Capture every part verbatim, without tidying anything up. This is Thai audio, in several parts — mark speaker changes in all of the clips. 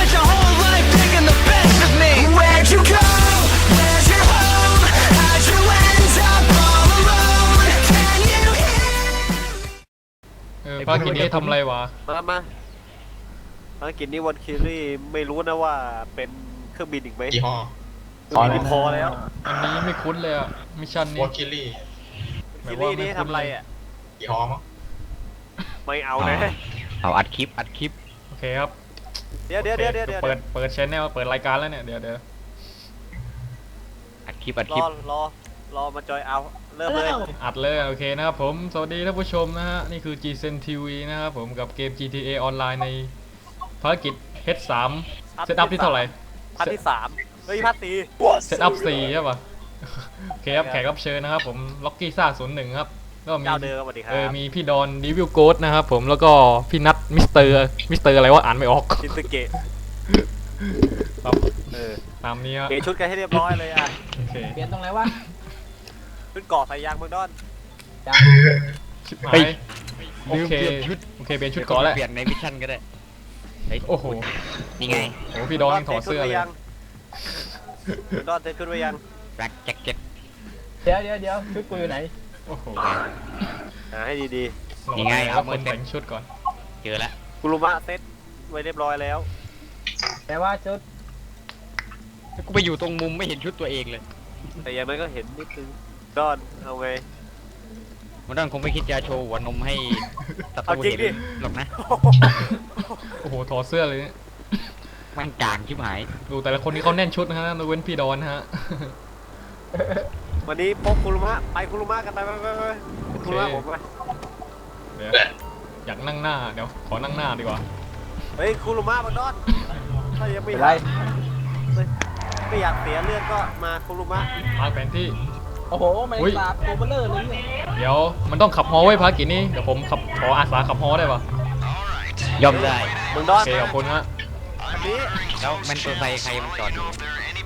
Speaker 1: spent your whole life picking the best of me. Where'd you go? Where's your home? How'd you end up all alone? Can you hear?
Speaker 2: เออภารกิจนี้ทำอะไรวะ
Speaker 3: มามาภารกิจนี้วันคิรี่ไม่รู้นะว่าเป็นเครื่องบินอีกไหม
Speaker 4: ยี่ห้อ
Speaker 3: เครื่องบินพอแล้ว
Speaker 2: อันนี้ไม่คุ้นเลยอะมิชชั่น
Speaker 4: ว
Speaker 2: นี้
Speaker 4: อลคิลี่
Speaker 3: คิรี่นี่ทำอะไรอ่ะ
Speaker 4: ยี่ห้อมั้ง
Speaker 3: ไม่เอานะ
Speaker 5: เอาอัดคลิปอัดคลิป
Speaker 2: โอเคครับ
Speaker 3: เดี๋ยวเดี๋ยวเดี๋ยวเดี๋ยวเดี๋ยว
Speaker 2: เปิดเปิดชแนลเปิดรายการแล้วเนี่ยเดี๋ยวเดี๋ยว
Speaker 5: อัดคลิปอัด
Speaker 3: ร
Speaker 5: คลิ
Speaker 3: อ
Speaker 5: ป
Speaker 3: รอรอมาจอยเอาเริ่มเลย
Speaker 2: อัดเลยโอเคนะครับผมสวัสดีท่านผู้ชมนะฮะนี่คือ จี เซน ที วี นะครับผมกับเกม จี ที เอ ออนไลน์ในภารกิจ เอช สาม เซตอัพที่เท่าไหร่
Speaker 3: พัทที่สามเฮ้ยพัทสี่
Speaker 2: เซตอัพสี่ใช่ป่ะโอเคครับแขกรับเชิญนะครับผมล็อกกี้ซ่าศูนย์หนึ่งครับก็มี
Speaker 3: เจ้าเดิมสวัสดีครั
Speaker 2: เออบ มีพี่ดอนดีวิลโกดนะครับผมแล้วก็พี่นัทมิสเตอร์มิสเตอร์อะไรวะอ่านไม่ออก
Speaker 3: ชินสึเกะ
Speaker 2: ครับ
Speaker 3: เออ
Speaker 2: ตามนี้ฮะ
Speaker 3: เกะชุดกันให้เรียบร้อยเลยอ่ะ
Speaker 2: โอเค
Speaker 6: เปลี่ยนตรงไหนวะ
Speaker 3: ขึ้นเกาะใส่ยางเมืองดอน
Speaker 6: ยัง
Speaker 2: ชิบหายโอ
Speaker 5: ลืม
Speaker 2: เค
Speaker 5: เปลี่ยนชุด
Speaker 2: โอเคเปลี่ยนชุดก่อนแล้ว
Speaker 5: เปลี่ยนในมิชชั่นก็ได้เฮ้ย
Speaker 2: โอ้โห
Speaker 5: นี่ไง
Speaker 2: โอ้พี่ดอนยังถอดเสื้อเลย
Speaker 3: เมืองดอนเทขึ้นไว้ยัง
Speaker 5: แบล็คแจ็คเก็ต
Speaker 6: เดี๋ยวเดี๋ยวเดี๋ยวชุดกูอยู่ไหน
Speaker 2: โอ้โห
Speaker 3: หาให้ดี
Speaker 5: นี่ไง
Speaker 2: แล้
Speaker 5: เอา
Speaker 2: ว
Speaker 5: มื
Speaker 2: ค
Speaker 5: อน เต็
Speaker 2: แต่
Speaker 5: ม
Speaker 2: งชุดก่อน
Speaker 5: เจอแล้ว
Speaker 3: ๆกุลุมะเซ็ตไว้เรียบร้อยแล้ว
Speaker 6: แต่ว่าชุด
Speaker 5: กูไปอยู่ตรงมุมไม่เห็นชุดตัวเองเลย
Speaker 3: แต่อย่างนั้นก็เห็นนิดนึงดอนเอาไง
Speaker 5: มันต้องคงไม่คิดจะโชว์หัวนมให้ศัต
Speaker 3: เอา
Speaker 5: รู
Speaker 3: จริง
Speaker 5: เห็น
Speaker 3: ดิ
Speaker 5: หรอกนะ
Speaker 2: โอ้โหถอดเสื้อเลยเนี่ย
Speaker 5: มันจางชิบหาย
Speaker 2: ดูแต่ละคนนี่เขาแน่นชุดนะฮะยกเว้นพี่ดอนนะฮะ
Speaker 3: วันนี้พกคุรุมะไปคุรุมะกันไปไปไปไปคุรุมะผมไป
Speaker 2: เดี๋ยวอยากนั่งหน้าเดี๋ยวขอนั่งหน้าดีกว่า
Speaker 3: เฮ้ยคุรุมะบังดอนถ้ายังไม่
Speaker 6: เป็นไร
Speaker 3: ไม่อยากเสียเลือดก็มาคุรุมะ
Speaker 2: ทางแผนที่
Speaker 6: โอ้โหมัน
Speaker 2: อุ๊ย
Speaker 6: สาบตัวเบลเลอร์เลยเนี่ย
Speaker 2: เดี๋ยวมันต้องขับฮอไว้ภารกิจนี้เดี๋ยวผมขับขออาสาขับฮอได้ปะ
Speaker 5: ยอมได้
Speaker 3: บังดอ
Speaker 2: โอน เคขอบคุณฮะ
Speaker 3: อันนี้
Speaker 5: แล้วแมนเตอร์ไซค์ใครมันจอดอยู่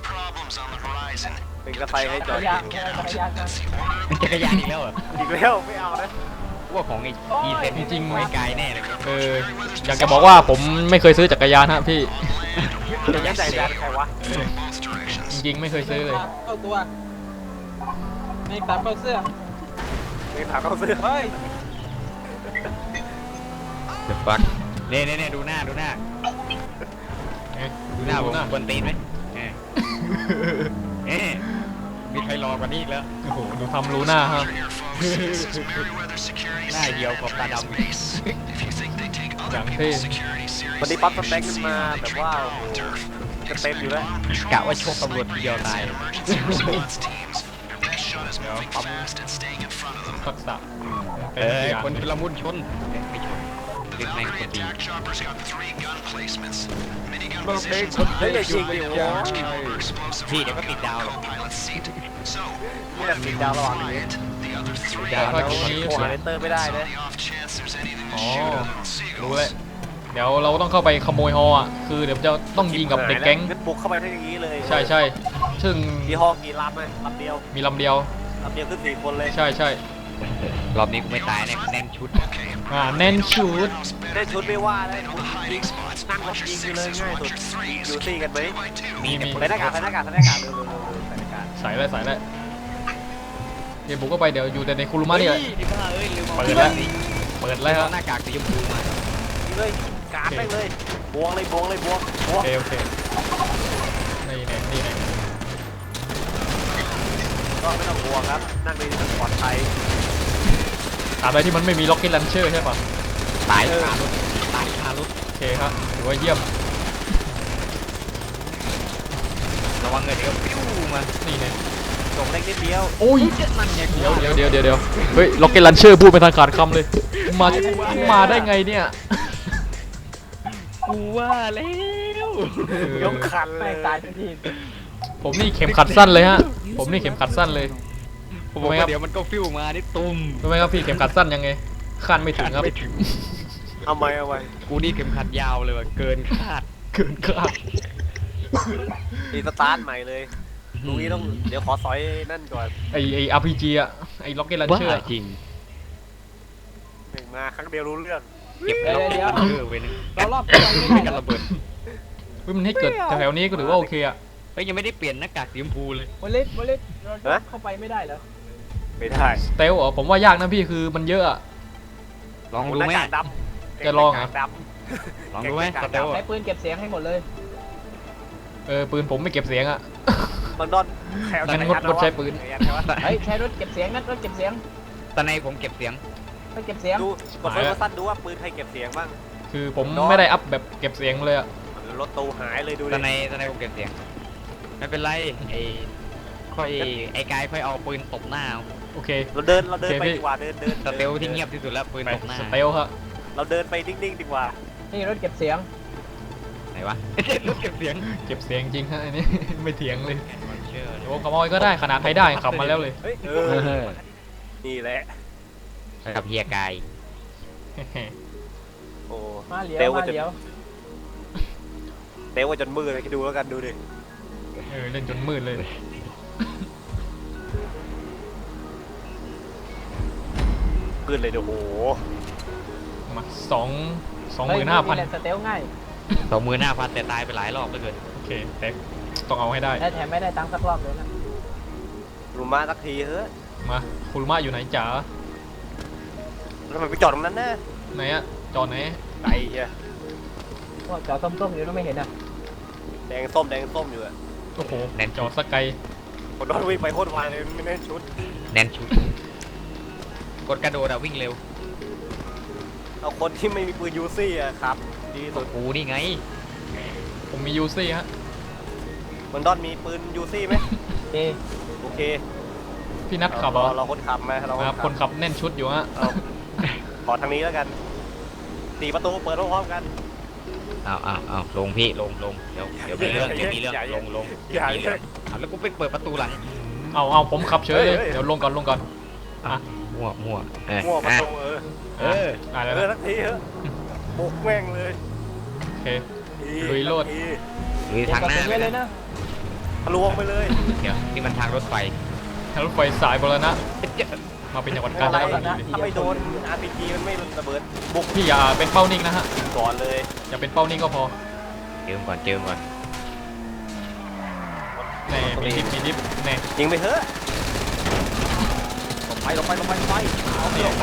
Speaker 3: เป็นกระไฟให้จ
Speaker 6: จั
Speaker 3: อก ด
Speaker 6: รยานจักรยานนะ
Speaker 5: มันจักรยานอีกแล้วเหรอ
Speaker 3: อีกแล้วไม่เอานะ
Speaker 5: ว่าของไอ้ดีเซนจริงๆไม่ไกลแน่เลย
Speaker 2: เอออยากจะบอกว่าผมไม่เคยซื้อจักรยานฮะพี่
Speaker 3: จะยัดใจแดนใครวะ
Speaker 2: จริงๆไม่เคยซื้อเลย
Speaker 6: เข้าตัวไม่ตามเข้าเสื้อ
Speaker 3: ไม่ถามเขาซื้อ
Speaker 6: เฮ้ย
Speaker 5: เดอะฟัคเน่เน่เน่ดูหน้าดูหน้า
Speaker 2: เอ๊ะ
Speaker 5: ดูหน้าผม
Speaker 2: หน้า
Speaker 5: บนตีนไหมเอ๊ะเอ๊ะมีใครรอกว่านี้อีกแล้ว
Speaker 2: โอ้โหดูทำรู้หน้าฮะ
Speaker 5: หน้าเดียวขอบตาดำ
Speaker 2: อย่างเท่
Speaker 3: วันนี้ปั๊บสเต็กขึ้นมาแบบว่าโอ้โหจะเต็มอยู่แล้ว
Speaker 5: กะว่าชกตำรวจทีเดียวตาย
Speaker 2: เดี๋ยวปั๊มทักษะ
Speaker 5: เอ
Speaker 2: เป็น
Speaker 5: อ
Speaker 2: อย่าง
Speaker 5: คนชุลมุนชนเอ๊ะไม่ชนดึงแม่งคนดี
Speaker 3: เฮ้ยอย่ายิงดิโว้ย
Speaker 5: พี่เดี๋ยวก็ติดดาวหรอก
Speaker 3: นี่แหละติดดาวระหว่างนี้
Speaker 5: ดาว
Speaker 2: ภาร
Speaker 5: แล้ว
Speaker 2: กิจนี้
Speaker 3: โอ้หาเลนเตอร์ไม่ได้นะ
Speaker 2: อ๋อรู้เลยเดี๋ยวเราต้องเข้าไปขโมยฮออ่ะคือเดี๋ยวจะต้องยิงกับเด็กแก๊ง
Speaker 3: งั้นบุกเข้าไปได้อย่างนี้เลย
Speaker 2: ใช่ใช่ซึ่ง
Speaker 3: มีห้องกี่ลำไหมลำเดียว
Speaker 2: มีลำเดียว
Speaker 3: ลำเดียวขึ้นสี่คนเลย
Speaker 2: ใช่ใช่
Speaker 5: รอบนี้กูไม่ตายแน่แน่นชุด
Speaker 2: อ่าแน่นชุด
Speaker 3: ได้ชุดไม่ว่าเลยยิงนั่งรถยิงอยู่เลยง่ายสุดอยู่ซี่กันไหม
Speaker 2: มีมี
Speaker 3: ใส่หน้ากากใส่หน้ากากใส่หน้ากากเร็วเร็วเร็วใส่หน้ากาก
Speaker 2: ใส่เลยใส่เลยเดี๋ยวบุกเข้าไปเดี๋ยวอยู่แต่ในคุรุมะนี่แหละ
Speaker 5: เฮ้ยดิบ้าเอ้ยลืม
Speaker 2: เปิดแล้ว เปิดแล้ว
Speaker 5: แล้
Speaker 2: ฮะ
Speaker 5: วหน้ากากสีชมพูมา
Speaker 3: ยิงเลยการไปเลยบวงเลยบวงเลยบวงบว
Speaker 2: โอง เคโอเคนี่แน่นี่แน่
Speaker 3: ก็ไม่ต้องบวงครับนั่งในปลอดภัย
Speaker 2: ตราบใดที่มันไม่มีล็อกเก็ตลันเชอร์ใช่ปะ
Speaker 5: ตายคารถตายคารถ
Speaker 2: โอเคครับถือว่าเยี่ยม
Speaker 5: ระวังเงินเดี๋ยวปิ้วมา
Speaker 2: นี่แน่
Speaker 3: ส่งเล็กนิดเดียว
Speaker 2: โอ้ย
Speaker 5: มันไงกู
Speaker 2: เดี๋ยวเดี๋ยวเดี๋ยวเดี๋ยวเดี๋ยวเฮ้ยล็อกเก็ตลันเชอร์พูดเป็นทางขาดคำเลยมามาได้ไงเนี่ย
Speaker 5: กูว่าแล้ว
Speaker 3: ยกคันเล
Speaker 6: แม่
Speaker 3: ย
Speaker 6: งตายทันที
Speaker 2: ผมนี่เข็มขัดสั้นเลยฮะผมนี่เข็มขัดสั้นเลย
Speaker 5: ผมบอกว่าเดี๋ยวมันก็ฟิวมานี่ตุ้ม
Speaker 2: รู้ไหมครับพี่เข็มขัดสั้นยังไงขั้นไม่ถึงครับ
Speaker 5: ไม่ถึง
Speaker 3: เอาไว้เอาไว้
Speaker 5: กูนี่เข็มขัดยาวเลยว่ะเกินคาด
Speaker 2: เกินคาด
Speaker 3: ตีสตาร์ทใหม่เลยลุงนี้ต้องเดี๋ยวขอสอยนั่นก่อน
Speaker 2: ไอไออาร์พีจีอะไอล็อกเก็ตลัน
Speaker 5: บ้า
Speaker 2: เชอร์
Speaker 5: จริง
Speaker 3: หนึ่งมาครั้งเดียวรู้เรื่อง
Speaker 5: เก็บแล้วเออเว้ยนึง
Speaker 6: เรารอบตัวไม่
Speaker 5: ไม่
Speaker 6: ได้
Speaker 5: กันระเบิด
Speaker 2: ฮ้ยมันให้เกิดแถวๆนี้ก็ถือว่าโอเคอะ
Speaker 5: เฮ้ยยังไม่ได้เปลี่ยนหน้ากากสีชมพูเลย
Speaker 6: โมลิสโมลิสเราเข้าไปไม่ได้เหรอ
Speaker 3: ไม่ได้
Speaker 2: สเตลเหรอผมว่ายากนะพี่คือมันเยอะอะ
Speaker 5: ลองดูไหม
Speaker 3: หน้ากากดำ
Speaker 2: จะลองเหรอ
Speaker 3: หน้ากากด
Speaker 5: ลองดูไหมสเตล
Speaker 6: ใช้ปืนเก็บเสียงให้หมดเลย
Speaker 2: เออปืนผมไม่เก็บเสียงอะ
Speaker 3: ำลอนดอนแถว
Speaker 2: งั้นงดงดใช้ปืน
Speaker 6: เฮ้ยใช้รถเก็บเสียงนั่นรถเก็บเสียง
Speaker 5: ตอนในผมเก็บเสียง
Speaker 6: รถเก็บเสียง
Speaker 3: ดูกดเฟิร์สสั้นดูว่าปืนใครเก็บเสียงบ้าง
Speaker 2: คือผมไม่ได้อัพแบบเก็บเสียงเลยอะ
Speaker 3: รถตูหายเลยดู
Speaker 5: ตอน
Speaker 3: ดิ
Speaker 5: ในตอนในผมเก็บเสียงไม่เป็นไรไอ้ค่อยไอ้กายค่อยเอาปืนตบหน้าเอา
Speaker 2: โอเค
Speaker 3: เราเดินเราเดิน
Speaker 2: โอเค
Speaker 3: ไป
Speaker 2: พี่
Speaker 3: ดีกว่าเดินเดิน
Speaker 5: สเตลที่เงียบที่สุดแล้วปืน
Speaker 2: ไป
Speaker 5: ตบหน้า
Speaker 2: สเตลครับ
Speaker 3: เราเดินไปนิ่งๆดีกว่า
Speaker 6: นี่รถเก็บเสียง
Speaker 5: ไหนวะรถเก็บเสียง
Speaker 2: เก็บเสียงจริงฮะอันนี้ ไม่เถียงเลย
Speaker 5: เชื่อเลย
Speaker 2: โอ้ขโมยก็ได้ขนาดใครได้ขับมาแล้วเลย
Speaker 3: เฮ้ยเออนี่แหละ
Speaker 5: กับเฮียกาย
Speaker 3: โอ้
Speaker 6: มาเหลียว
Speaker 3: เตล
Speaker 6: มา
Speaker 3: ว่าจน
Speaker 6: เหลียว
Speaker 3: เตลว่าจนมืดเลยคิดดูแล้วกันดูดิ
Speaker 2: เออเล่นจนมืดเลย
Speaker 3: มืดเลยเดี๋ยวโอ้โห
Speaker 2: มาสองสองหมื่นห้าพัน
Speaker 6: เฮ้ยแหละสเตลง่าย
Speaker 5: สองมือหน้าพันแต่ตายไปหลายรอบเหลย
Speaker 2: โอเคแต่ต้องเอาให้ได้
Speaker 6: และแถมไม่ได้ตังค์สักรอบเลยนะ
Speaker 3: รูมาสักทีเฮ้ย
Speaker 2: มาคุณมาอยู่ไหนจ๋า
Speaker 3: ทำไมไปจอดตรงนั้นนะ
Speaker 2: ไหนอะจอดไหน
Speaker 3: ไกลเชีย
Speaker 6: พวกจอส้มๆอยู่แล้วไม่เห็นอ่ะ
Speaker 3: แดงส้มแดงส้มอยู่อะ
Speaker 2: โอ้โหจอดสกไกล
Speaker 3: คนโดนวิ่งไปโคตรไวเลยไม่ได้ชุด
Speaker 5: แน่นชุดกดกระโดดอะวิ่งเร็ว
Speaker 3: เอาคนที่ไม่มีปืนยูซี่อะครับดีสุด
Speaker 5: กูนี่ไง
Speaker 2: ผมมียูซี่ฮะ
Speaker 3: มันดอนมีปืนยูซี่ไหม
Speaker 6: เอ
Speaker 3: โอเค
Speaker 2: พี่นัทขับเหรอ
Speaker 3: เราคนขับมาเรา
Speaker 2: ครับคนขับแน่นชุดอยู่ฮะ
Speaker 3: เอาขอทางนี้แล้วกันสี่ประตูเปิดพร้อมๆกัน
Speaker 5: อ้าวอ้าวอ้าวลงพี่ลงลงเดี๋ยวเดี๋ยวมีเรื่องเดี๋ยวมีเรื่อง
Speaker 3: อย่า
Speaker 5: ลงลง
Speaker 3: อย่า
Speaker 5: มีเรื่องอ้าวแล้วกูไปเปิดประตูหลัง
Speaker 2: เอาเอาผมขับเฉยเลย
Speaker 3: เฮ้ย
Speaker 2: เดี๋ยวลงก่อนลงก่อนอ่ะ
Speaker 5: มั่วมั่วเออ
Speaker 3: มั่วประ
Speaker 5: อ่ะ
Speaker 3: ตูเออ
Speaker 5: เออ
Speaker 2: อ่ะ
Speaker 3: เอ
Speaker 2: แล้ว
Speaker 3: อ
Speaker 2: นะ
Speaker 3: ทักทีเถอะบุกแม่งเลย
Speaker 2: โอเค
Speaker 3: ที
Speaker 2: ลุยโลด
Speaker 3: ที
Speaker 5: หรือ
Speaker 6: เก็บ
Speaker 5: ทาง
Speaker 6: กระ
Speaker 5: หน้า
Speaker 6: สุน
Speaker 5: ไป
Speaker 6: ไว้เลย
Speaker 5: นะ
Speaker 6: นะ
Speaker 3: ทะลวงไปเลย
Speaker 5: เดี๋ยวนี่มันทางรถไฟ
Speaker 2: ทางรถไฟสายบรณะมาเป็นจังหวัดกาญจนบุรี
Speaker 3: ถ้าไม่โดน อาร์ พี จี มันไม่ระเบิดบุก
Speaker 2: พี่อย่าเป็นเป้านิ่งนะฮะ
Speaker 3: ก่อนเลย
Speaker 2: อย่าเป็นเป้านิ่งก็พอ
Speaker 5: เจิมก่อนเจิมก่อน
Speaker 2: แน่มีดิฟมีดิฟแน่
Speaker 3: ยิงไปเถอะลงไปลงไปลงไปลงไปเอาไปลงไป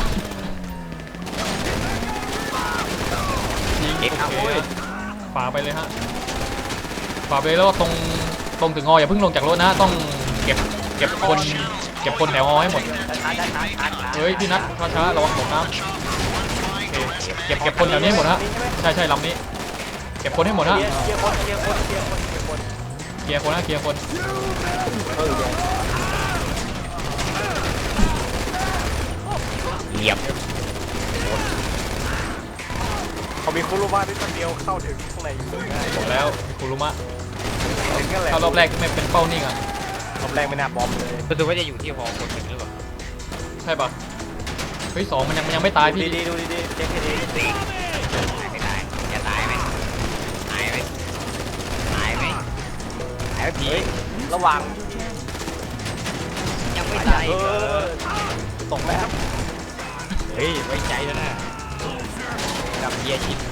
Speaker 2: ยิง
Speaker 5: เอ็กซ์
Speaker 2: โอ
Speaker 5: เอา
Speaker 2: เค
Speaker 5: เว้ย
Speaker 2: ฝ่าไปเลยฮะฝ่าไปเลยแล้วก็ตรงตรงถึงงออย่าเพิ่งลงจากรถนะต้องเก็บเก็บคนเก็บคนแถวงอให้หมด
Speaker 3: ช้าช้าช้าช้าช้า
Speaker 2: เฮ้ยพี่นัทช้าๆระวังตกน้ำโอเคเก็บเก็บคนแถวนี้ให้หมดฮะใช่ใช่ลำนี้ เก็บคนให้หมดฮะ
Speaker 3: เคลียร์เคลียร์คนเคลียร์คนเคลียร์คนเคลียร์คน
Speaker 2: เคลียร์คนฮะเคลียร์คน
Speaker 5: เหยียบ
Speaker 3: เขามีคุรุมาด้วยคนเดียวเข้าถึงข้างในอยู่เลยง่าย
Speaker 2: บอกแล้วคุรุมะ
Speaker 3: ถึงกันแหละ
Speaker 2: ถ้ารอบแรกไม่เป็นเป้านิ่งอ่ะ
Speaker 3: รอบแรกไม่น่าบอมเลย
Speaker 5: รู้สึกว่าจะอยู่ที่หอคนหนึ่งหรือเปล่า
Speaker 2: ใช่ปะเฮ้ยสองมันยังมันยังไม่ตายพี่
Speaker 3: ดีดีๆดูดีดีๆเช็คให้ดี
Speaker 5: ตายไม่ตายจะตายไหมตายไหมตายไหมตายไหมผี
Speaker 3: ระหว่าง
Speaker 5: ยังไม่ตาย
Speaker 3: เออตกแล้ว
Speaker 5: เฮ้ยไว้ใจแล้วนะกับเฮียชิป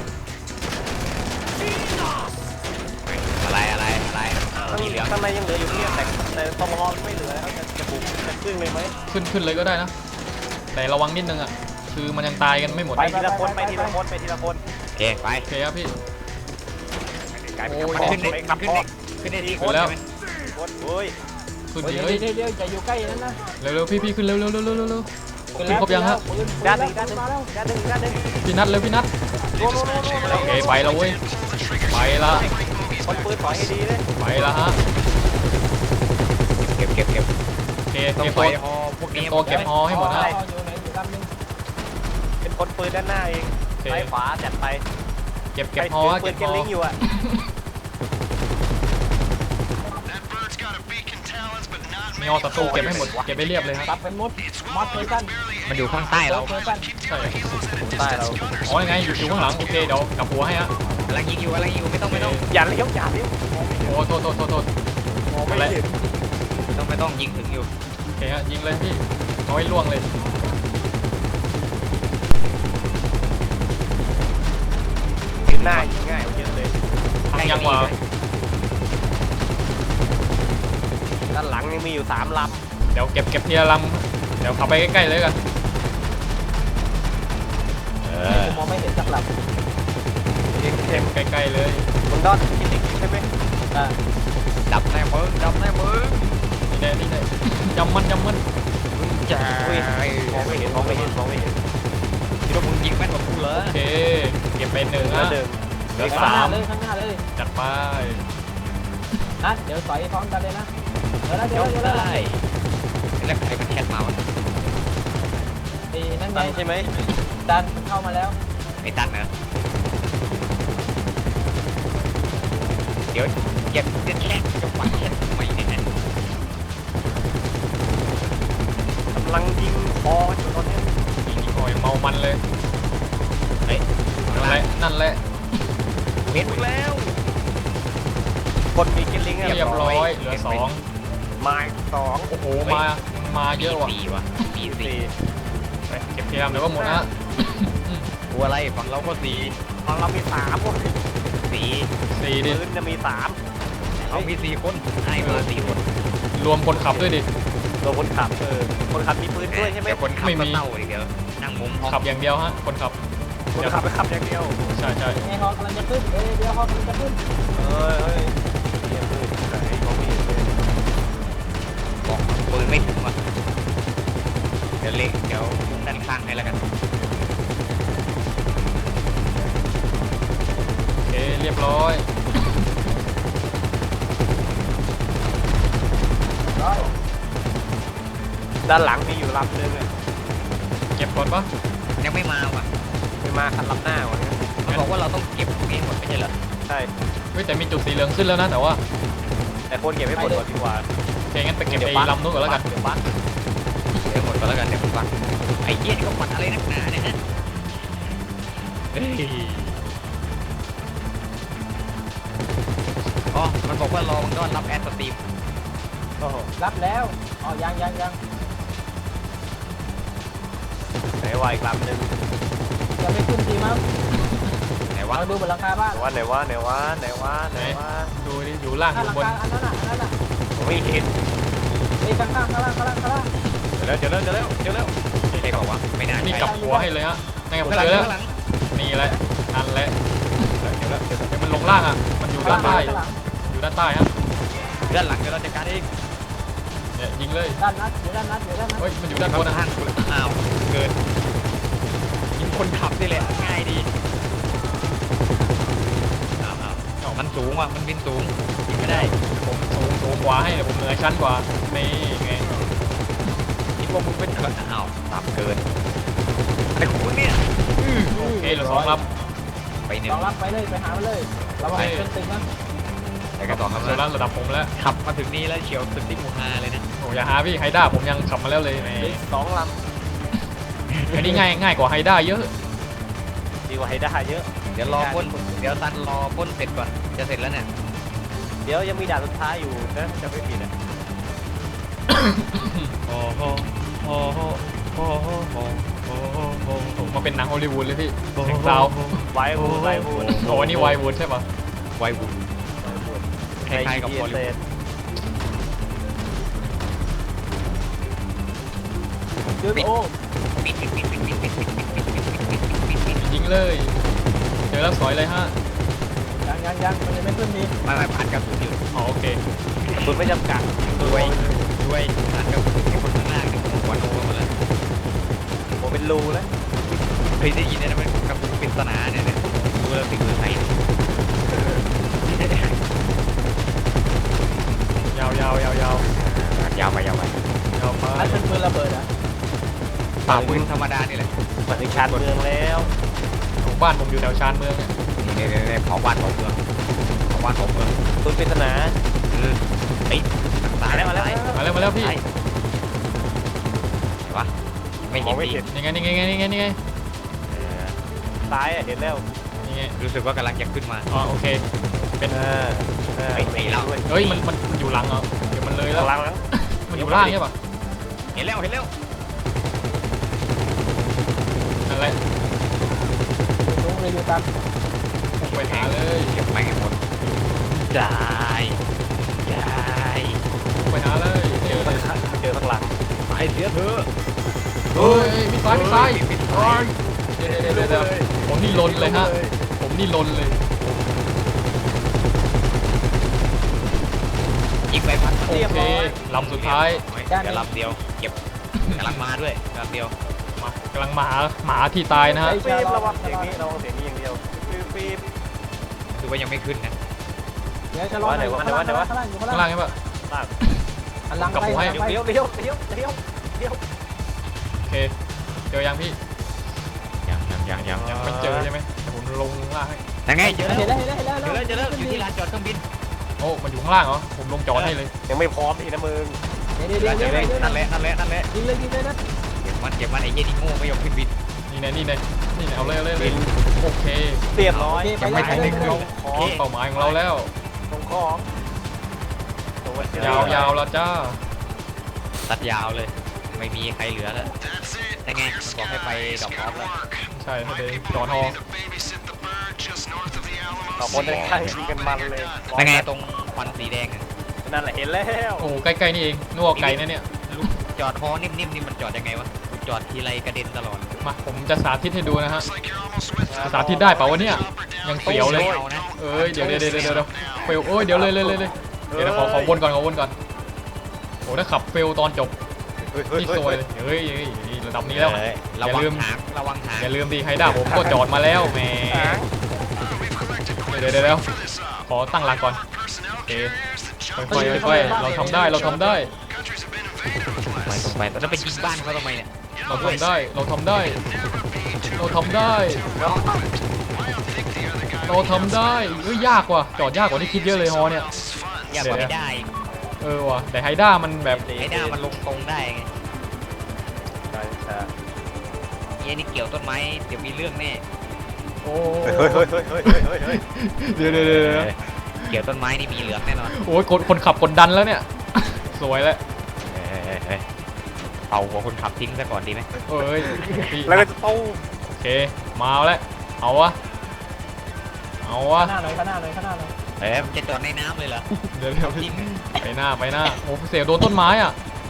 Speaker 5: อะไรอะไรอะไร
Speaker 3: ข้าง
Speaker 5: สีเหลือง
Speaker 3: ข้างในยังเหลืออยู่เนี่ยแต่แต่ตรงรอไม่เหลือแล้วจะจะบุกจะครึ่งเลยไหม
Speaker 2: ขึ้นขึ้นเลยก็ได้นะ แต่ระวังนิดนึงอ่ะคือมันยังตายกันไม่หมด
Speaker 3: ไปทีละคนไปทีละคนไปทีละคน
Speaker 5: โอเคไป
Speaker 2: โอเคครับพี่
Speaker 3: กลายเป็น
Speaker 2: โอ้ย
Speaker 3: กระ
Speaker 5: ขึ้น
Speaker 3: ป๋
Speaker 5: ได้
Speaker 3: องไปกระ
Speaker 5: ขึ้น
Speaker 3: ป๋อ
Speaker 5: ได้
Speaker 3: ง
Speaker 5: ขึ้นได้ที่
Speaker 2: ขึ้นแล้ว
Speaker 5: ใช่ไหม
Speaker 3: คนเฮ้ย
Speaker 2: ขึ้น
Speaker 6: เฮ้ย
Speaker 2: ดิ
Speaker 6: เดี๋ยว
Speaker 2: เฮ้ย
Speaker 6: เดี๋ยวเดี๋ยวอย่าอยู่ใกล้นั่นนะ
Speaker 2: เร็วๆพี่พี่ขึ้นเร็วเร็วเร็วเร็วเร็วเร็ว
Speaker 6: ขึ้น
Speaker 2: ขึ้นครบยังฮะ
Speaker 6: ปืนปืน
Speaker 3: ด้านห
Speaker 6: แล้
Speaker 3: นึ่
Speaker 6: ว
Speaker 3: งด้านหนึ่ง
Speaker 6: มาแล้ว
Speaker 3: ด้านหนึ่งด้านหนึ่ง
Speaker 2: พี่นัทเร็วพี่นัท
Speaker 3: โน่โน่โน่โน่โน่
Speaker 2: โอเคไปแล้วเว้ยไปละ
Speaker 3: คนปืนถอยให้ดีเลย
Speaker 2: ไปละฮะ
Speaker 5: เก็บเก็บเก็บ
Speaker 2: โอเค
Speaker 5: ต้อ
Speaker 2: เก็
Speaker 5: ง
Speaker 2: บ
Speaker 5: ไป
Speaker 2: ตัว
Speaker 5: ฮอพวก
Speaker 2: เก็
Speaker 5: นี้
Speaker 2: บตัวเก็บฮอให้หมดนะ
Speaker 6: อยู่ไหนอยู่ลำนึง
Speaker 3: เป็นคนปืนด้านหน้าเอง
Speaker 2: โอเค
Speaker 3: ซ้ายขวาจัดไป
Speaker 2: เก็บเก็บ
Speaker 3: ใคร
Speaker 2: ฮอ
Speaker 3: ถื
Speaker 2: ฮะ
Speaker 3: ปื
Speaker 2: เก็
Speaker 3: น
Speaker 2: บ
Speaker 3: เก
Speaker 2: ฮ
Speaker 3: น
Speaker 2: อ
Speaker 3: ลิงอยู่อ่ะ
Speaker 2: มีฮอศัตรูเก็บให้หมดเก็บไปเรียบเลยฮะ
Speaker 6: ตับเป็นมดมอสเพอร์ซัน
Speaker 5: มันอยู่ข้างใต้เรา
Speaker 6: เพอร์ซัน
Speaker 2: ใช่
Speaker 3: ใต้เรา
Speaker 2: อ๋อยังไงอยู่อยู่ข้างหลังโอเคเดี๋ยวกลับหัวให้ฮะ
Speaker 5: กำลังยิงอยู่กำลังยิงอยู่ไม่ต้องไม่ต้อง
Speaker 3: อย่าเลี้ยวอย่าเลี้ยว
Speaker 2: โอ้โทษโทษโทษโทษ
Speaker 3: มองไม่เห็น
Speaker 5: ไม่ต้องไม่ต้องยิงถึงอยู่
Speaker 2: โอเคฮะยิงเลยพี่เอาให้ล่วงเลย
Speaker 3: ยืนหน้ายิงง่ายกว่าเยอะเลย
Speaker 5: ใช่
Speaker 2: ยังวะ
Speaker 3: ด้านหลังยังมีอยู่สามล
Speaker 2: เดี๋ยวเก็บเก็บทีละลำเดี๋ยวขับไปใกล้ๆเลยกัน
Speaker 6: ผมมองไม่เห็นสักลำ
Speaker 3: ำเอ็ม
Speaker 2: เก็บใกล้ๆเลย
Speaker 3: คุณดอนคิดจริงใช่ไหม
Speaker 6: อ่า
Speaker 5: ดับแน่มึงดับแน่มึง
Speaker 2: นี่แน่นี่แน่จำมันจำมัน
Speaker 5: จ้า
Speaker 3: อุ้ยมองไม่เห็นมองไม่เห็นมองไม่เห็น
Speaker 5: คิดว่ามึงยิงแม่นกว่ากูเหรอ
Speaker 2: โอเคเก็บไปหนึ่ง
Speaker 3: แล้
Speaker 2: นะ
Speaker 3: วหนึ่ง
Speaker 2: เหลือ
Speaker 6: ข้าง
Speaker 2: สา
Speaker 6: หน้าม เลยข้างหน้าเลย
Speaker 2: จัดไป
Speaker 6: นะเดี๋ยวสอยพร้อมกันเลยนะเดี๋ยวนะเดี๋ย
Speaker 5: ย
Speaker 6: ว
Speaker 5: ก
Speaker 6: เดี๋ยว
Speaker 5: ได้แล้วใครมันแคทมาวะ
Speaker 6: ไอ้นั่นไง
Speaker 3: ตันใช่ไหม
Speaker 6: ดันเข้ามาแล้ว
Speaker 5: ไอ้ตันเหรอเดี๋ยวเก็บเด็ดแรกจะปัดแคททำไมเนี่ย
Speaker 3: กำลังยิงคออยู่ตอนนี้
Speaker 2: ยิงโอ้ยเมามันเลย
Speaker 5: เฮ้ย
Speaker 2: นั่นแหละนั่นแหละ
Speaker 5: เห็นมึงแล้ว
Speaker 3: คนมีกินลิงอะ
Speaker 2: เรียบร้อยเหลือสอง
Speaker 3: ไม้สอง
Speaker 2: โอ้โหมามาเยอะว่ะ
Speaker 5: สี่ว่ะสี่สี่
Speaker 3: สี่
Speaker 2: ไปเก็บทีละลำเดี๋ยวก็หมดนะ
Speaker 5: ตัวอะไรฝั่งเราก็สี่
Speaker 3: ของเรามีสามคน
Speaker 5: สี่
Speaker 2: สี่ดิ
Speaker 3: ปืนจะมีสาม
Speaker 5: เขามีสี่คนให้เบอร์สี่คน
Speaker 2: รวมคนขับด้วยดิ
Speaker 3: ตัวคนขับเออคนขับมีปืนด้วยใช่ไหม
Speaker 5: เดี๋ยวคนขับ
Speaker 2: ไม่มี
Speaker 5: ก็เต้าอีกเดี๋ยวนั่งมุมห้อง
Speaker 2: ขับอย่างเดียวฮะคนขับ
Speaker 3: คนขับไปขับอย่างเดียว
Speaker 2: ใช่ใช่
Speaker 6: ไอ้ฮอกำลังจะขึ้นเอ้ยเดี๋ยวฮอกำลังจะขึ้น
Speaker 3: เอ้ยเฮ้ยเนี่ยปืนไหนมองไม่เห็นเลย
Speaker 5: บอกปืนไม่ถึงว่ะเดี๋ยวเล็กเดี๋ยวด้านข้างให้แล้วกัน
Speaker 2: โอเคเรียบร้อย
Speaker 6: ร้อย
Speaker 3: ด้านหลังมีอยู่ลำนึงอะ
Speaker 2: เก็บก่อนปะ
Speaker 5: ยังไม่มาว่ะ
Speaker 3: ไปมาคันลำหน้าวันนี้
Speaker 5: เขาบอกว่าเราต้องเก็บพวกนี้หมดไม่ใช่เหรอ
Speaker 3: ใช่
Speaker 2: เฮ้ยแต่มีจุดสีเหลืองขึ้นแล้วนะแต่ว่า
Speaker 3: แต่คนเก็บไม่หมดก่อนดีกว่า
Speaker 2: โอเคงั้นไปเก็บไอ้ลำนู้นก่อนแล้วกัน
Speaker 3: เดี๋ยวบัส
Speaker 5: เดี๋ยวหมดก็แล้วกันเดี๋ยวผมฟังไอ้เหี้ยนี่เขาปัดอะไรนักหนาเนี่ยฮะเฮ้ยอ๋อมันบอกว่ารอมึงก็รับแอดสตรีม
Speaker 3: โอ้โห
Speaker 6: รับแล้วอ๋อยังยังยัง
Speaker 3: ไหนวะอีกลำหนึ่ง
Speaker 6: จะไม่ขึ้นทีมั้ง
Speaker 5: ไหนวะ
Speaker 6: เราดูบนหลังคาบ้าน
Speaker 3: ไหนวะไหนวะไหนวะไหนวะไหนวะ
Speaker 2: ดูดิอยู่ล่างอ
Speaker 6: ข้างหลั
Speaker 2: ยู่
Speaker 6: ง
Speaker 2: บน
Speaker 6: คาอันนั้นน่ะอันนั้นน่ะ
Speaker 3: ผมไม่เห็น
Speaker 6: ไอ้ข้างข้างข้างล่างข้างล่างข้างล่าง
Speaker 3: เดี๋ยวเดี๋ยวเดี๋ยวเดี๋ยวเดี๋ยวเดี๋ยว
Speaker 5: ใช่เปล่าวะไม่น่า
Speaker 2: นี่
Speaker 5: ใช่
Speaker 2: กลับหัวให้เลยฮะนั่นไงผม
Speaker 5: ข้างหลั
Speaker 2: เจ
Speaker 5: ง
Speaker 2: อแล้ว
Speaker 5: ข้างหลัง
Speaker 2: นี่แหละนั่นแหละ
Speaker 3: เดี๋ยวเดี๋ยวเดี๋ยว
Speaker 2: เดี๋ยวมันลงล่างอ่ะมันอยู่ด้านใต้
Speaker 6: ข้างหลัง
Speaker 2: อยู่ด้านใต้ฮะ
Speaker 5: ด้านหลังเดี๋ยวเราจัดการเอง
Speaker 2: เนี่ยยิงเลย
Speaker 6: ด้านนัดอยู่ด้านนัดอยู่ด้านนัด
Speaker 2: เฮ้ยมันอยู่ด้านบนนะ
Speaker 5: ข้างกูเลยอ้าวเกินยิงคนขับนี่แหละง่ายดีอ้าวอ้าวอ้าวมันสูงว่ะมันบินสูงยิงไม่ได้
Speaker 2: ผมสูงสูงกว่าให้แต่ผมเหนือชั้นกว่านี่ไง
Speaker 5: คิดว่ามึงเป็นเกินอ้าวต่ำเกินไอ้คุณเนี่ย
Speaker 2: โอเคเหลือสองล
Speaker 5: ไปหนึ่ง
Speaker 6: ลองรับไปเลยไปหามันเลยระวังเป็นตึงนะ
Speaker 5: ไอ้กระสอง
Speaker 2: ำ
Speaker 5: คำ
Speaker 2: เสร็จแล้ว
Speaker 5: นั้น
Speaker 2: ระดับผมแล้ว
Speaker 5: ขับมาถึงนี่แล้วเฉียวตึกที่หมู่ห้าเลยนะ
Speaker 2: โอ้อย่าหาพี่ไฮด้าผมยังขับมาแล้วเลยแหม
Speaker 3: เหลือสองล
Speaker 2: อันนี้ง่ายง่ายกว่าไฮด้าเยอะ
Speaker 3: ำดีกว่าให้ได้เยอะ
Speaker 5: เดี๋ยวรอพ่นเดี๋ยวตันรอพ่นเสร็จก่อนจะเสร็จแล้วเนี่ย
Speaker 3: เดี๋ยวยังมีด่านสุดท้ายอยู่นะจะไม่ผิดอ่ะ
Speaker 2: โอ้โหโอ้โหโอ้โหโอ้โหโอ้โหผมมาเป็นหนังฮอลลีวูดเลยพี่เสียงซาว
Speaker 3: ไววูดไววูด
Speaker 2: โอ้อันนี่ไววูดใช่ปะ
Speaker 5: ไวบุญคล้ายๆกับ
Speaker 3: ใน
Speaker 5: บอลลีวูด
Speaker 6: ดึงโอ้
Speaker 5: ปิดปิดปิดปิดปิดปิดปิดปิดปิดปิดปิดปิดปิดปิด
Speaker 2: ยิงเลยเจอแล้วสอยเลยฮะ
Speaker 6: ยังยังยังมันยังไม่ขึ้นดี
Speaker 5: มาไม่ผ่านกระสุนอยู่
Speaker 2: อ๋อโอเค
Speaker 3: คุณไม่จำกัด
Speaker 5: ด้วยด้วยผ่านกระสุนไอ้คนข้างหน้าเนี่ยหัวโนมาแล้ว
Speaker 3: ผมเป็นรูแล้ว
Speaker 5: เคยได้ยินเนี่ยนะมันกระสุนปริศนาเนี่ยเนี่ยดูแล้วติดมือใคร
Speaker 2: ยาวยาวยาวยาวย
Speaker 5: าวไปยาวไป
Speaker 2: ยาวไป
Speaker 6: นั่นเป็นปืนระเบิดอ่ะ
Speaker 5: เปล่าปืนธรรมดานี่แหละ
Speaker 3: มาถึงชานเมืองแล้ว
Speaker 2: ของบ้านผมอยู่แถวชานเมืองเนี่ย
Speaker 5: นี่นี่นี่เผาบ้านเผาเมืองเผาบ้านเผาเมือง
Speaker 3: ปืนปริศนา
Speaker 5: เออไอ้ตายแล้วมาแล้ว
Speaker 2: มาแล้วมาแล้วพี่
Speaker 5: วะไม่
Speaker 3: ม
Speaker 5: เห็
Speaker 3: อน งไม่
Speaker 5: ดี
Speaker 3: เห็น
Speaker 2: นี่ไงนี่ไงนี่ไงนี่ไง
Speaker 3: ซ้ายอะเห็นแล้ว
Speaker 2: นี่ไง
Speaker 5: รู้สึกว่ากำลังจะขึ้นมา
Speaker 2: อ๋อโอเคเป็น
Speaker 3: เออเออ
Speaker 5: ไอ้ไอ้เรา
Speaker 3: ด้วย
Speaker 2: เฮ้ยมันมันมันอยู่หลังเหรอเดี๋ยวมันเลยแล้ว
Speaker 3: หลังหลัง
Speaker 2: มันอยู่ล่างใช่ปะ
Speaker 5: เห็นแล้วเห็นแล้ว
Speaker 2: นั่นแหละ
Speaker 6: ลุงเลยอยู่ตาม
Speaker 5: โอ้โห
Speaker 2: ไปหาเลย
Speaker 5: เก็บไม้ให้หมดได้ได้
Speaker 2: ไปหาเลย
Speaker 3: เจอข้างหลังเจอข้างหลังไปเสียเถอะ
Speaker 2: เฮ้ยมีซ้ายมีซ้ายโอ้ยเดี๋ยวเดี๋ยวเดี๋ยวเดี๋ยวผมนี่ลนเลยฮะผมนี่ลนเลย
Speaker 5: ยิงไปพัด
Speaker 2: โอเคลำสุดท้าย
Speaker 5: เดี๋ยวลำเดียวเก็บกำลังมาด้วยลำเดียว
Speaker 2: มากำลังหมาหมาที่ตายนะฮะ
Speaker 3: ฟิล์มระวังเสียงนี้ระวังเสียงนี้อย่างเดียวฟิล์มฟิล์ม
Speaker 5: คือว่ายังไม่ขึ้นนะ
Speaker 6: เดี๋ยวจะรอหน่อยข้างล่างข้างล่างข้างล่างอยู่ข้าง
Speaker 2: ข้าง
Speaker 6: ล่า
Speaker 2: ล่าง งใช่ปะ
Speaker 3: ล่าง
Speaker 6: หันหลัง
Speaker 2: กลับ
Speaker 6: ไป
Speaker 2: หัวให้
Speaker 6: หันหลังไป
Speaker 3: เลี้ยวเลี้ยวเลี้ยวเลี้ยวเลี้ยว
Speaker 2: โอเคเจอยังพี่
Speaker 5: ยังยังยังยัง
Speaker 2: ยังไม่เจอใช่ไหมเดี๋ยวผมลงล่างให้
Speaker 5: ยังไงเจอแล้ว
Speaker 6: เห็นแล้วเห็นแล้วเห็นแล้ว
Speaker 5: เจอแล้วเจอแล้วอยู่ที่ลานจอดเครื่องบิน
Speaker 2: โอ้มันอยู่ข้างล่างเหรอผมลงจอดให้เลย
Speaker 3: ยังไม่พร้อมทีนะมึง
Speaker 6: เดี๋ยวเดี๋ยว
Speaker 5: เจ
Speaker 6: เดี๋
Speaker 5: อ
Speaker 6: ยว
Speaker 5: เลย
Speaker 6: เดี๋ยว
Speaker 5: นั่นแหละนั่นแหละนั่นแหละ
Speaker 6: ยิงเลยยิงเลยนะ
Speaker 5: เก็บมันเก็บมันไอ้เหี้ยนี่โง่ไม่ยอมขึ้นบิน
Speaker 2: นี่ไงนี่ไงนี่ไงเอาเลยเอาเลยเอาเลยโอเค
Speaker 3: เรียบร้อย
Speaker 5: ยังไม่ทันได้ขึ้น
Speaker 3: ของ
Speaker 2: เป้าหมายของเราแล้ว
Speaker 3: ของของตัวย
Speaker 2: าวยาวแล้วจ้า
Speaker 5: ตัดยาวเลย ไม่มีใครเหลือแล้วแต่ไงมันบอกให้ไปดอกออฟแล้ว
Speaker 2: ใช่ให้ไปจอดฮอ
Speaker 3: ต่อคนได้ข้างยิงกันมันเลย
Speaker 5: แต่ไงตรงควันสีแดงอะ
Speaker 3: นั่นแหละเห็นแล้ว
Speaker 2: โอ้ใกล้ๆนี่เองนัวไก่นะเนี่ย
Speaker 5: ลูกจอดฮอนิ่มๆนี่มันจอดยังไงวะกูจอดทีไรกระเด็นตลอด
Speaker 2: มาผมจะสาธิตให้ดูนะฮะจะสาธิตได้เปล่าวะเนี่ยยังเสียวเลย
Speaker 5: ไม่เอานะ
Speaker 2: เอ้ยเดี๋ยวเดี๋ยวเดี๋ยวเดี๋ยวเดี๋ยวเฟลโอ้ยเดี๋ยวเลยเลยเลยเลยเดี๋ยวนะขอขอวนก่อนขอวนก่อนโอ้ถ้าขับเฟลตอนจบ
Speaker 3: เฮ้ยเฮ้ย
Speaker 2: นี่
Speaker 3: เฮ้ย
Speaker 2: ซวยเลยเฮ้ยเฮ้ยเฮ้ยระดับนี้แล้ว
Speaker 5: เอ้ยระวังหางระวังหาง
Speaker 2: อย่าลืมดิไฮด้าผมก็จอดมาแล้วแหมเดี๋ยวเดี๋ยวเดี๋ยวขอตั้งหลักก่อนโอเคค่อยๆค่อยๆเราทำได้เราทำได้
Speaker 5: ไปตรงไปแล้วไปยิงบ้านเขาทำไมเนี่ย
Speaker 2: เราทำได้เราทำได้ เราทำได้ เราทำได้เอ้ยยากว่ะจอดยากกว่าที่คิดเยอะเลยฮอเนี่ย
Speaker 5: อย่าบอกไม่ได้
Speaker 2: เออว่ะแต่ไฮด้ามันแบบ
Speaker 5: ไอ้หน้ามันลงตรงได้ไง
Speaker 3: ใช่ใช่
Speaker 5: เฮียนี่เกี่ยวต้นไม้เดี๋ยวมีเรื่องแน่
Speaker 2: โอ้
Speaker 3: เฮ้ยเฮ้ยเฮ้ยเฮ้ยเฮ้ยเฮ้ยเฮ้ย
Speaker 2: เดี๋ยวเดี๋ยวเดี๋ยวเดี๋ยว
Speaker 5: เกี่ยวต้นไม้นี่มีเหลืองแน่นอน
Speaker 2: โอ้ยคนคนขับกดดันแล้วเนี่ย สวยแล้ว
Speaker 5: เอ้ยเอ้ยเอ้ยเอาหัวคนขับทิ้งซะก่อนดีไหม
Speaker 2: เอ้ยพี่
Speaker 3: แล้วก็จะตู้
Speaker 2: โอเคมาแล้วเอาวะเอาวะ
Speaker 6: ข้างหน้าหน่อยข้างหน้าหน่อยข้างหน้าหน่อย
Speaker 5: เอ้ยมันจะจอดในน้ำเลยเหรอ
Speaker 2: เดี๋ยวเดี๋ยว
Speaker 5: จริง
Speaker 2: ไปหน้าไปหน้าโอ้เสียโดนต้นไม้อ่ะ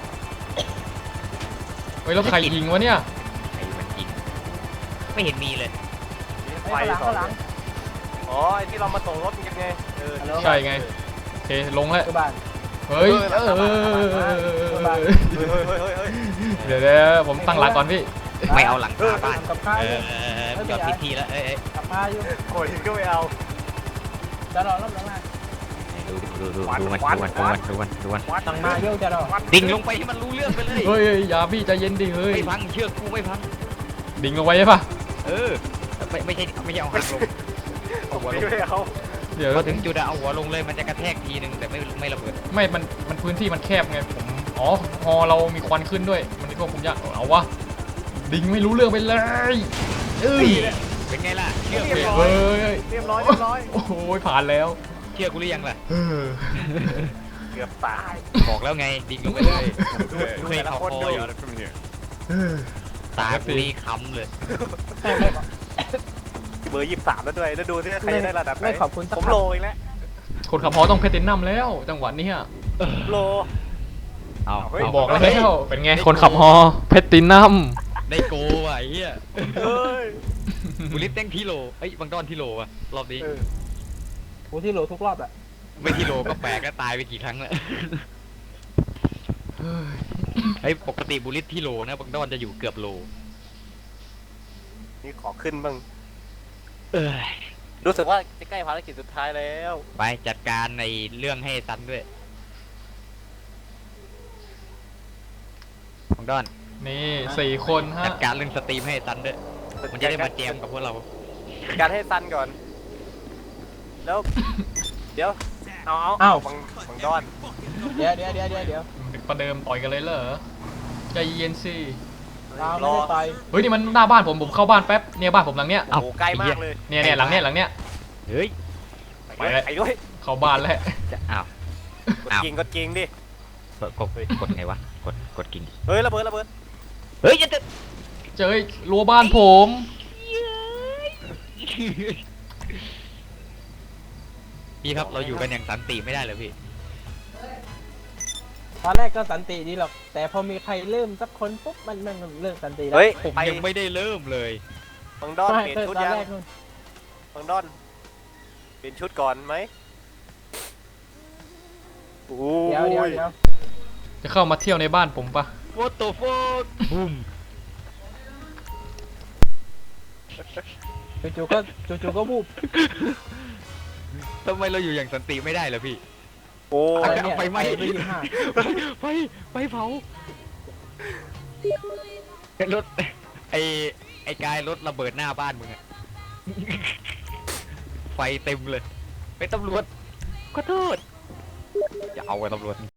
Speaker 2: เฮ้ยแล้วใครยิงวะเนี่ย
Speaker 5: ไอ้มันจริงไม่เห็นมีเลย
Speaker 3: ไฟ
Speaker 6: ข้างหลัง
Speaker 3: ต่อ
Speaker 6: ข้างหลัง
Speaker 3: อ๋อไอ้ที่เรามาส่งรถกันไงเออ
Speaker 2: ใช่ไงโอเคลงแล้ว
Speaker 6: ตัวบ้าน
Speaker 2: เฮ้ยเออ
Speaker 3: เฮ้ยเฮ้ยเฮ้ยเฮ้ยเฮ้ย
Speaker 2: เดี๋ยวเดี๋ยวผมตั้งหลักก่อนพี่
Speaker 5: ไม่เอาหลังคาบ้าน
Speaker 6: กับข้าว
Speaker 5: เอ
Speaker 6: อยู่
Speaker 5: อเออเออมันจอดผิดที่แล้วเอ้ยเอ้ย
Speaker 6: กับข้าวอยู่
Speaker 3: โอ้ยก็ไม่เอา
Speaker 6: จะรอรับหลังมา
Speaker 5: ดูดูดูดูมันดูมันดูมันดูมันดูมัน
Speaker 3: วัด
Speaker 6: สั่งมาเยอะจะรอ
Speaker 5: ดิ่งลงไปให้มันรู้เรื่องไปเลย
Speaker 2: เฮ้ยเฮ้ยอย่าพี่ใจเย็นดิเฮ้ย
Speaker 5: ไม่พังเชือกกูไม่พัง
Speaker 2: ดิ่งลงไปใช่ปะ
Speaker 5: เออไม่ไม่ใช่ไม่ใช่เอาหางลงเอาหัวลง
Speaker 3: ไม่เอา
Speaker 2: เดี๋ยว
Speaker 5: พอถึงจุดอะเอาหัวลงเลยมันจะกระแทกทีนึงแต่ไม่ไม่ระเบิด
Speaker 2: ไม่มันมันพื้นที่มันแคบไงผมอ๋อฮอเรามีควันขึ้นด้วยมันควบคุมยากเอาวะดิ่งไม่รู้เรื่องไปเลยเอ้ย
Speaker 5: เป็นไงล่ะเชื่อ
Speaker 3: เรี
Speaker 5: กู
Speaker 3: ยบ
Speaker 5: หรือ
Speaker 3: ร้
Speaker 5: ยัง
Speaker 3: อย
Speaker 2: เฮ้ย
Speaker 3: เรียบร้อยเรียบร้อย
Speaker 2: โอ้โหผ่านแล้ว
Speaker 5: เชื่อกูหรือยังล่ะ
Speaker 2: เออ
Speaker 3: เกือบตาย
Speaker 5: บอกแล้วไงดิ่งลงไปเลยเคยเขาคออยู่ตากูนี่ค้ำเลย
Speaker 3: เบอร์ยี่สิบสามแล้วด้วยแล้วดูที่ใครจะได้ระดับไหน
Speaker 6: ไม่ขอบคุณสัก
Speaker 3: ผม
Speaker 6: พัก
Speaker 3: โลอีกแล้ว
Speaker 2: คนขับฮอต้องเพตินัมแล้วจังหวะนี้อะ
Speaker 3: โล
Speaker 5: เอา
Speaker 3: เฮ้ย
Speaker 5: เอา
Speaker 2: บอกแล้วเป็นไงคนขับฮอเพตินัม
Speaker 5: ได้โกว่ะไอ้เหี้ย
Speaker 3: เฮ้ย
Speaker 5: บุลิสเต้งที่โลเอ้ยบางดอนที่โลว่ะรอบนี้
Speaker 3: เออ
Speaker 6: กูที่โหลทุกรอบอะ
Speaker 5: ไม่ที่โลก็แปลกก็ตายไปกี่ครั้งแล้วไอ้ยปกติบุลิสที่โลนะบางดอนจะอยู่เกือบโล
Speaker 3: นี่ขอขึ้นบ้าง
Speaker 5: เอ้ย
Speaker 3: รู้สึกว่าจะใกล้ภารกิจสุดท้ายแล้ว
Speaker 5: ไปจัดการในเรื่องให้ซันด้วยบางดอน
Speaker 2: นี่สี่คนฮะ
Speaker 5: จัดการเรื่องสตรีมให้ซันด้วยมันจะได้มาแจมกับพวกเรา
Speaker 3: การให้ซันก่อน แล้ว เดี๋ยว เอาเอา
Speaker 6: อ้าว
Speaker 3: บังบังดอน
Speaker 6: เดี๋ยวเดี๋ยวเดี๋ยวเดี๋ยวเดี๋ยว
Speaker 2: ประเดิมต่อยกันเลยเหรอใจเย็นสิ
Speaker 6: เราไม่ได้ต่อย
Speaker 2: เฮ้ยนี่มันหน้าบ้านผมผมเข้าบ้านแป๊บเนี่ยบ้านผมหลังเนี้ย
Speaker 3: โอ้โหใกล้มากเลย
Speaker 2: เนี่ยเนี่ยหลังเนี้ยหลังเนี้ย
Speaker 5: เฮ้ย
Speaker 3: ไปด้วยไปด้วย
Speaker 2: เข้าบ้านแล้ว
Speaker 5: จะอ้าว
Speaker 3: กด
Speaker 5: อ้าว
Speaker 3: จริงกดจริงดิ
Speaker 5: กดกดกดไงวะกดกดกิ่ง
Speaker 3: เฮ้ยระเบิดระเบิด
Speaker 5: เฮ้ยจะจะ
Speaker 2: เจอรั้วบ้านผม
Speaker 5: พี่ครับเราอยู่กันอย่างสันติไม่ได้เหรอพี่
Speaker 6: ตอนแรกก็สันติดีหรอก แต่พอมีใครเริ่มสักคนปุ๊บมันมันมันเลิกสันติแล้ว
Speaker 3: เฮ้ย
Speaker 5: ผม
Speaker 3: ไป
Speaker 5: ยังไม่ได้เริ่มเลย
Speaker 3: บังดอน
Speaker 6: ไม่
Speaker 3: เปลี่ยน
Speaker 6: เออ
Speaker 3: ชุด
Speaker 6: ตอน
Speaker 3: ยัง
Speaker 6: แรกนู่น
Speaker 3: บังดอนเปลี่ยนชุดก่อนไหมโอ้
Speaker 6: เดี๋ยวเดี๋ยวย เดี๋ยว
Speaker 2: จะเข้ามาเที่ยวในบ้านผมปะ
Speaker 5: What the fuck บูม
Speaker 6: จู่ๆก็จู่ๆก็บูบ
Speaker 5: ทำไมเราอยู่อย่างสันติไม่ได้เหรอพี่
Speaker 3: โอ้
Speaker 6: อะ
Speaker 3: ย
Speaker 6: รเนี่ย
Speaker 5: ไฟไหม้
Speaker 6: ปยี่สิบห้า
Speaker 5: ไฟไฟเผา รถไอไอกายรถระเบิดหน้าบ้านมึงอะ ไฟเต็มเลยไปตำรวจขอโทษอย่าเอาไว้ตำรวจ